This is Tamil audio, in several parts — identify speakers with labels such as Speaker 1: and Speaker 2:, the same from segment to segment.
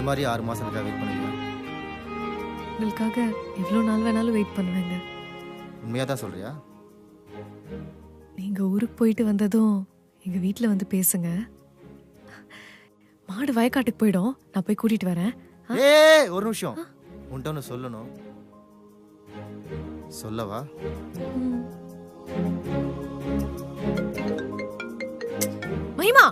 Speaker 1: மாதிரி 6 மாசம் இருக்கா வெயிட் பண்ணுவீங்க?
Speaker 2: உங்களுக்காக எவ்வளோ நாள் வேணாலும் வெயிட் பண்ணுவேங்க.
Speaker 1: உண்மையாக தான் சொல்றியா?
Speaker 2: நீங்க ஊருக்கு போயிட்டு வந்ததும் எங்க வீட்டில் வந்து பேசுங்க. மாடு வயக்காட்டுக்கு போயிடும், நான் போய் கூட்டிட்டு வரேன்.
Speaker 1: ஏய் ஒரு நிமிஷம், உன்கிட்ட ஒன்று சொல்லணும். சொல்லவா?
Speaker 2: மகிமா,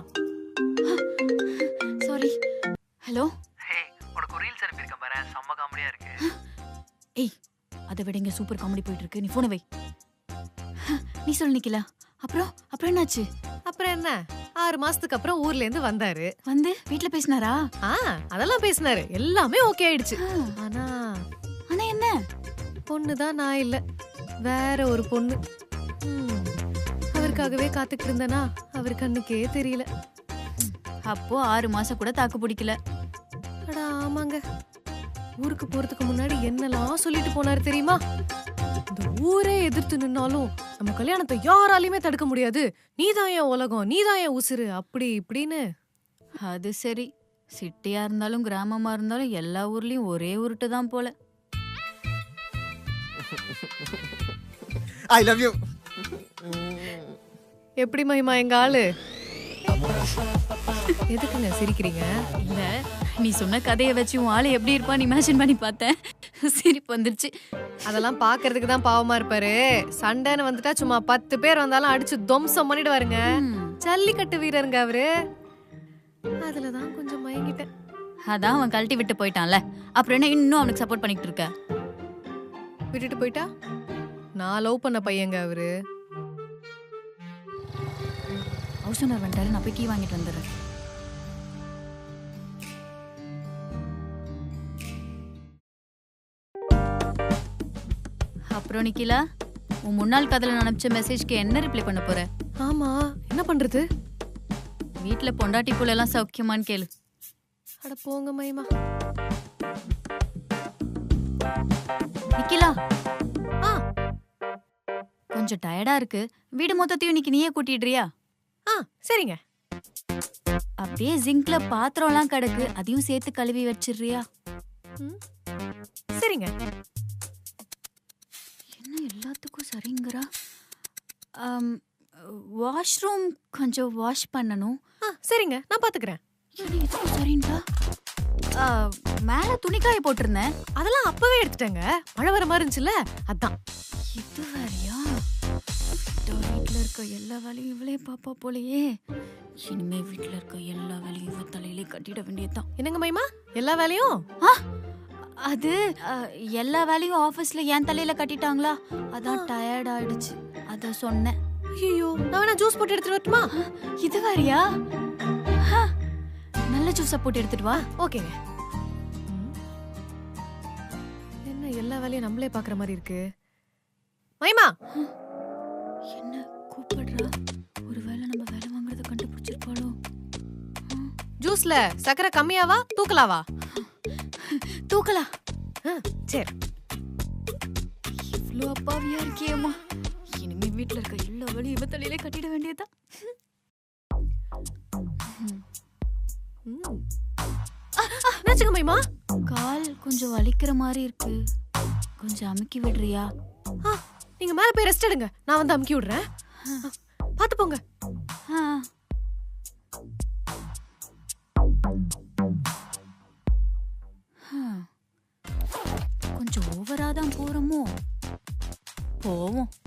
Speaker 3: சாரி. ஹலோ.
Speaker 4: ஹே, உனக்கு ஒரு ரீல்ஸ் அனுப்பியிருக்கேன் பாரு, செம்ம காமெடியா இருக்கு.
Speaker 3: ஏய், அதை விட இங்க சூப்பர் காமெடி போயிட்டு இருக்கு. நீ போனை வை. நீ சொல்லு நிக்கல. அப்புறம் என்னாச்சு?
Speaker 2: அப்புறம் என்ன, 6 மாசத்துக்கு அப்புறம் ஊர்ல இருந்து வந்தாரு.
Speaker 3: வந்து வீட்ல பேசினாரா?
Speaker 2: அதெல்லாம் பேசினாரு, எல்லாமே ஓகே ஆயிடுச்சு. ஆனா
Speaker 3: ஆனா என்ன?
Speaker 2: பொண்ணுதான் நான் இல்ல, வேற ஒரு பொண்ணு. அவருக்காகவே காத்துக்கிட்டு இருந்தனா, அவர் கண்ணுக்கே தெரியல.
Speaker 3: அப்போ 6 மாசம் கூட தாக்கு பிடிக்கல.
Speaker 2: அடா ஆமாங்க, ஊருக்கு போறதுக்கு முன்னாடி என்னெல்லாம் சொல்லிட்டு போனாரு தெரியுமா? இந்த ஊரே எதிர்த்து நின்னாலும் நம்ம கல்யாணத்தை யாராலையுமே தடுக்க முடியாது, நீதான் என் உலகம், நீதான் என் உசுரு, அப்படி இப்படின்னு.
Speaker 3: அது சரி, சிட்டியா இருந்தாலும் கிராமமா இருந்தாலும் எல்லா ஊர்லயும் ஒரே உருட்டு தான் போல.
Speaker 1: I love you.
Speaker 2: எப்படி மகிமா எங்க ஆளு? எதுக்குங்க சிரிக்கிறீங்க?
Speaker 3: இல்ல, நீ சொன்ன கதையை வச்சு உன் ஆளு எப்படி இருப்பான்னு இமேஜின் பண்ணி பார்த்தேன். சிரிப்பு வந்துருச்சு.
Speaker 2: அதெல்லாம் பாக்குறதுக்கு தான் பாவமா இருப்பாரு. சண்டைன்னு வந்துட்டா சும்மா 10 பேர் வந்தாலும் அடிச்சு துவம்சம் பண்ணிடுவாருங்க. ஜல்லிக்கட்டு வீரருங்க அவரு. அதுலதான் கொஞ்சம் மயங்கிட்டேன்.
Speaker 3: அதான் அவன் கழட்டி விட்டு போயிட்டான்ல, அப்புறம் என்ன இன்னும் அவனுக்கு சப்போர்ட் பண்ணிட்டு இருக்க?
Speaker 2: விட்டுட்டு போயிட்டா? நான் லவ் பண்ண பையங்க அவரு.
Speaker 3: ஹவுஸ் ஓனர் வந்துட்டாரு, நான் போய் கீ வாங்கிட்டு வந்துடுறேன். அப்புறம் நிக்கிலா, உன் முன்னாள் காதல அனுப்பிச்ச மெசேஜ்க்கு என்ன ரிப்ளை பண்ண போற?
Speaker 2: ஆமா, என்ன பண்றது?
Speaker 3: வீட்டுல பொண்டாட்டி புள்ள எல்லாம் சௌக்கியமான்னு கேளு.
Speaker 2: அட போங்க மயிமா.
Speaker 3: நிக்கிலா, கொஞ்சம் டயர்டா இருக்கு, வீடு மொத்தத்தையும் இன்னைக்கு நீயே கூட்டிடுறியா?
Speaker 2: சரிங்க.
Speaker 3: அப்படியே ஜிங்க்ல பாத்திரம் எல்லாம் கிடக்கு, அதையும் சேர்த்து கழுவி வச்சிடுறியா?
Speaker 2: சரிங்க.
Speaker 3: என்ன எல்லாத்துக்கும் சரிங்கறா? வாஷ்ரூம் கொஞ்சம் வாஷ் பண்ணணும்.
Speaker 2: சரிங்க, நான் பாத்துக்கிறேன்.
Speaker 3: சரிங்களா? மேல துணிக்காய போட்டிருந்தேன்,
Speaker 2: அதெல்லாம் அப்பவே எடுத்துட்டேங்க, மழை வர மாதிரி இருந்துச்சுல்ல, அதான்.
Speaker 3: இது வேறையா? வீட்டுல இருக்க எல்லா வேலையும் இவளே பாப்பா போலயே. இனிமே வீட்டுல இருக்க எல்லா வேலையும் இவ தலையிலே கட்டிட வேண்டியதுதான்.
Speaker 2: என்னங்க மைமா, எல்லா வேலையும்?
Speaker 3: அது எல்லா வேலையும் ஆபீஸ்ல என் தலையில கட்டிட்டாங்களா, அதான் டயர்ட் ஆயிடுச்சு, அத சொன்னேன்.
Speaker 2: ஐயோ, நான் வேணா ஜூஸ் போட்டு எடுத்துட்டு வரட்டுமா?
Speaker 3: இது வேறையா? நல்ல ஜூஸா போட்டு எடுத்துட்டு வா.
Speaker 2: ஓகேங்க. என்ன எல்லா வேலையும் நம்மளே பாக்குற மாதிரி இருக்கு. மைமா,
Speaker 3: என்ன கூப்பிடுறா? ஒருவேளை நம்ம வேலை வாங்குறத கண்டுபிடிச்சிருப்பாளோ?
Speaker 2: ஜூஸ்ல சக்கரை கம்மியாவா தூக்கலாவா?
Speaker 3: தூக்கலா.
Speaker 2: சரி.
Speaker 3: இவ்ளோ அப்பாவியா இருக்கியேம்மா, இனிமே வீட்டுல இருக்க எல்லா வேலையும் இவ தலையிலே கட்டிட வேண்டியதா.
Speaker 2: என்னாச்சுங்க மைமா?
Speaker 3: கால் கொஞ்சம் வலிக்கிற மாதிரி இருக்கு, கொஞ்சம் அமுக்கி விடுறியா?
Speaker 2: நீங்க மேல போய் ரெஸ்ட் எடுங்க, நான் வந்து அமுக்கி விடுறேன். பாத்து போங்க.
Speaker 3: கொஞ்சம் ஓவரா தான் போறோமோ? போவோம்.